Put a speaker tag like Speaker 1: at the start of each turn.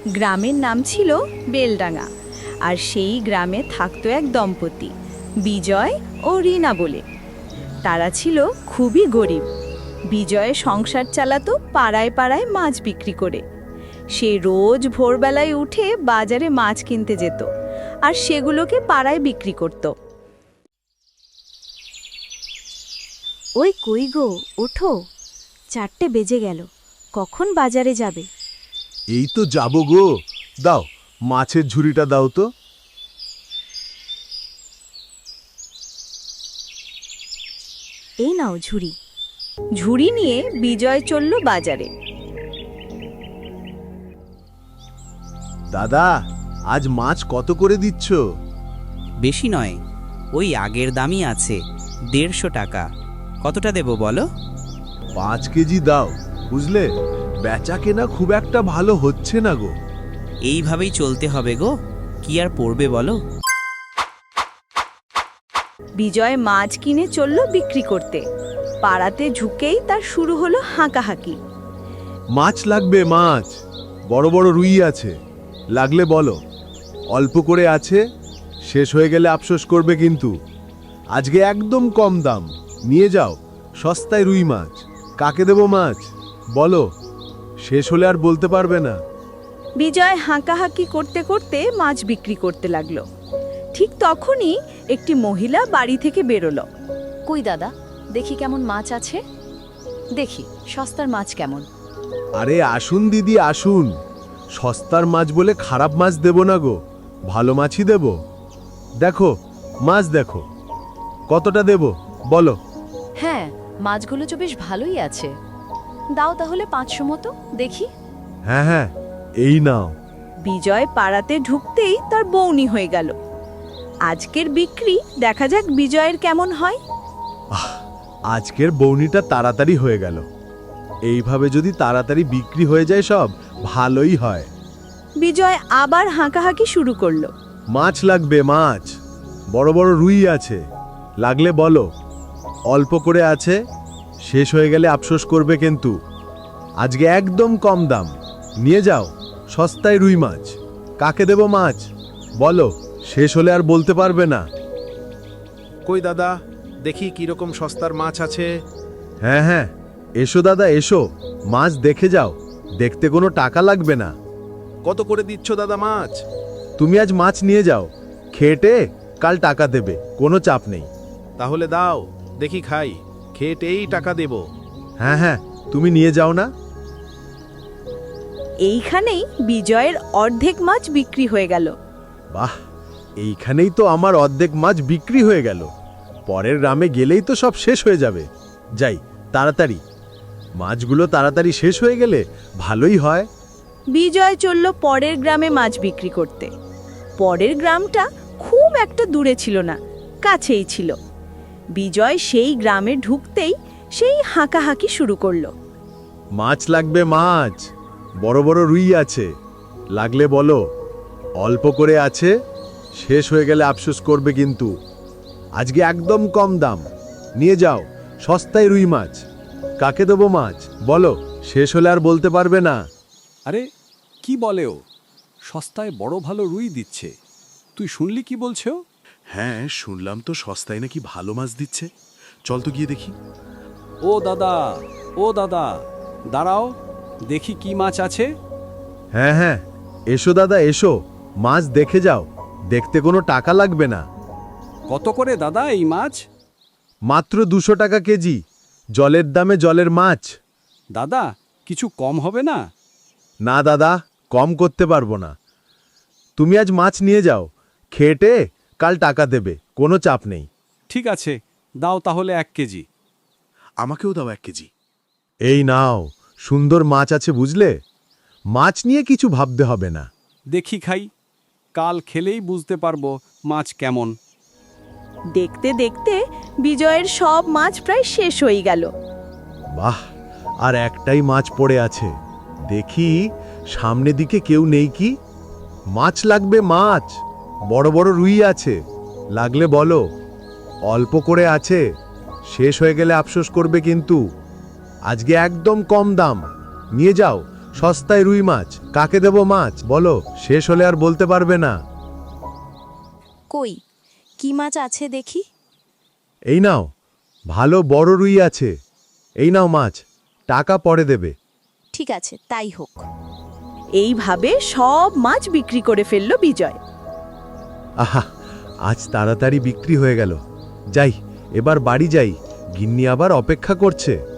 Speaker 1: গ্রামের নাম ছিল বেলডাঙ্গা। আর সেই গ্রামে থাকতো এক দম্পতি, বিজয় ও রীনা বলে। তারা ছিল খুবই গরিব। বিজয় সংসার চালাতো পাড়ায় পাড়ায় মাছ বিক্রি করে। সে রোজ ভোরবেলায় উঠে বাজারে মাছ কিনতে যেত আর সেগুলোকে পাড়ায় বিক্রি করত।
Speaker 2: ওই কই গো, ওঠো, 4টে বেজে গেল, কখন বাজারে যাবে?
Speaker 3: এই তো যাবো গো। দাও, মাছের ঝুড়িটা দাও তো।
Speaker 2: এই নাও ঝুড়ি।
Speaker 1: ঝুড়ি নিয়ে বিজয় চলল বাজারে।
Speaker 3: দাদা, আজ মাছ কত করে দিচ্ছ?
Speaker 4: বেশি নয়, ওই আগের দামই আছে, 150 টাকা। কতটা দেব বলো?
Speaker 3: 5 কেজি দাও, বুঝলে? বেচা কেনা খুব একটা ভালো হচ্ছে না গো।
Speaker 4: এইভাবেই চলতে হবে গো, কি আর পড়বে বলো।
Speaker 1: বিজয় মাছ কিনে চলল বিক্রি করতে। পাড়াতে ঝুঁকেই তার শুরু হলো হাঁকাহাঁকি।
Speaker 3: মাছ লাগবে, মাছ বড় বড় রুই আছে, লাগলে বলো। অল্প করে আছে, শেষ হয়ে গেলে আফসোস করবে কিন্তু। আজকে একদম কম দাম, নিয়ে যাও, সস্তায় রুই মাছ। কাকে দেব মাছ বলো, শেষ হলে আর বলতে পারবে না।
Speaker 1: বিজয় হাঁকাহাঁকি করতে করতে মাছ বিক্রি করতে লাগলো। ঠিক তখনই একটি মহিলা বাড়ি থেকে বেরোলো।
Speaker 5: কই দাদা, দেখি কেমন মাছ আছে, দেখি সস্তার মাছ কেমন।
Speaker 3: আরে আসুন দিদি, আসুন। সস্তার মাছ বলে খারাপ মাছ দেব না গো, ভালো মাছই দেব। দেখো মাছ, দেখো কতটা দেব বলো।
Speaker 5: হ্যাঁ, মাছগুলো তো বেশ ভালোই আছে, দাও তাহলে 500 মতো দেখি।
Speaker 3: হ্যাঁ হ্যাঁ, এই নাও।
Speaker 1: বিজয় পাড়াতে ঢুকতেই তার বউনি হয়ে গেল। আজকের বিক্রি দেখা যাক বিজয়ের কেমন হয়।
Speaker 3: আজকের বউনিটা তাড়াতাড়ি হয়ে গেল। এইভাবে যদি তাড়াতাড়ি বিক্রি হয়ে যায় সব, ভালোই হয়।
Speaker 1: বিজয় আবার হাঁকাহাঁকি শুরু করলো।
Speaker 3: মাছ লাগবে, মাছ বড় বড় রুই আছে, লাগলে বলো। অল্প করে আছে, শেষ হয়ে গেলে আফসোস করবে কিন্তু। আজকে একদম কম দাম, নিয়ে যাও, সস্তায় রুই মাছ। কাকে দেব মাছ বলো, শেষ হলে আর বলতে পারবে না।
Speaker 6: কই দাদা, দেখি কিরকম সস্তার মাছ আছে।
Speaker 3: হ্যাঁ হ্যাঁ, এসো দাদা এসো, মাছ দেখে যাও, দেখতে কোনো টাকা লাগবে না।
Speaker 6: কত করে দিচ্ছ দাদা মাছ?
Speaker 3: তুমি আজ মাছ নিয়ে যাও, খেটে কাল টাকা দেবে, কোনো চাপ নেই।
Speaker 6: তাহলে দাও, দেখি খাই, খেটেই টাকা দেব।
Speaker 3: হ্যাঁ হ্যাঁ, তুমি নিয়ে যাও না।
Speaker 1: এইখানেই বিজয়ের অর্ধেক মাছ বিক্রি হয়ে গেল।
Speaker 3: বাহ, এইখানেই তো আমার অর্ধেক মাছ বিক্রি হয়ে গেল। পরের গ্রামে গেলেই তো সব শেষ হয়ে যাবে। যাই তাড়াতাড়ি, মাছগুলো তাড়াতাড়ি শেষ হয়ে গেলে ভালোই হয়।
Speaker 1: বিজয় চলল পরের গ্রামে মাছ বিক্রি করতে। পরের গ্রামটা খুব একটা দূরে ছিল না, কাছেই ছিল। বিজয় সেই গ্রামে ঢুকতেই সেই হাঁকাহাঁকি শুরু করলো।
Speaker 3: মাছ লাগবে, মাছ বড় বড় রুই আছে, লাগলে বলো। অল্প করে আছে, শেষ হয়ে গেলে আফসোস করবে কিন্তু। আজকে একদম কম দাম, নিয়ে যাও, সস্তায় রুই মাছ। কাকে দেবো মাছ বলো, শেষ হলে আর বলতে পারবে না।
Speaker 7: আরে কি বলে ও, সস্তায় বড় ভালো রুই দিচ্ছে। তুই শুনলি কি বলছে ও?
Speaker 3: হ্যাঁ শুনলাম তো, সস্তায় নাকি ভালো মাছ দিচ্ছে। চল তো গিয়ে দেখি।
Speaker 7: ও দাদা, ও দাদা, দাঁড়াও, দেখি কি মাছ আছে।
Speaker 3: হ্যাঁ হ্যাঁ, এসো দাদা এসো, মাছ দেখে যাও, দেখতে কোনো টাকা লাগবে না।
Speaker 7: কত করে দাদা এই মাছ?
Speaker 3: মাত্র 200 টাকা কেজি, জলের দামে জলের মাছ।
Speaker 7: দাদা কিছু কম হবে না?
Speaker 3: না দাদা, কম করতে পারবো না। তুমি আজ মাছ নিয়ে যাও, খেটে কাল টাকা দেবে, কোনো চাপ নেই।
Speaker 7: ঠিক আছে, দাও তাহলে 1 কেজি।
Speaker 3: আমাকেও দাও 1 কেজি। এই নাও, সুন্দর মাছ আছে বুঝলে, মাছ নিয়ে কিছু ভাবতে হবে না।
Speaker 7: দেখি খাই, কাল খেলেই বুঝতে পারবো মাছ কেমন।
Speaker 1: দেখতে দেখতে বিজয়ের সব মাছ প্রায় শেষ হয়ে গেল।
Speaker 3: বাহ, আর একটাই মাছ পড়ে আছে, দেখি সামনে দিকে কেউ নেই কি। মাছ লাগবে, মাছ বড় বড় রুই আছে, লাগলে বলো। অল্প করে আছে, শেষ হয়ে গেলে আফসোস করবে কিন্তু। আজকে একদম কম দাম, নিয়ে যাও, সস্তায় রুই মাছ, কাকে দেব মাছ বলো, শেষ হলে আর বলতে পারবে না।
Speaker 2: কই কি মাছ আছে দেখি।
Speaker 3: এই নাও, ভালো বড় রুই আছে। এই নাও মাছ, টাকা পরে দেবে।
Speaker 2: ঠিক আছে, তাই হোক।
Speaker 1: এইভাবে সব মাছ বিক্রি করে ফেলল বিজয়।
Speaker 3: আহা, আজ তাড়াতাড়ি বিক্রি হয়ে গেল। যাই, এবার বাড়ি যাই, গিন্নি আবার অপেক্ষা করছে।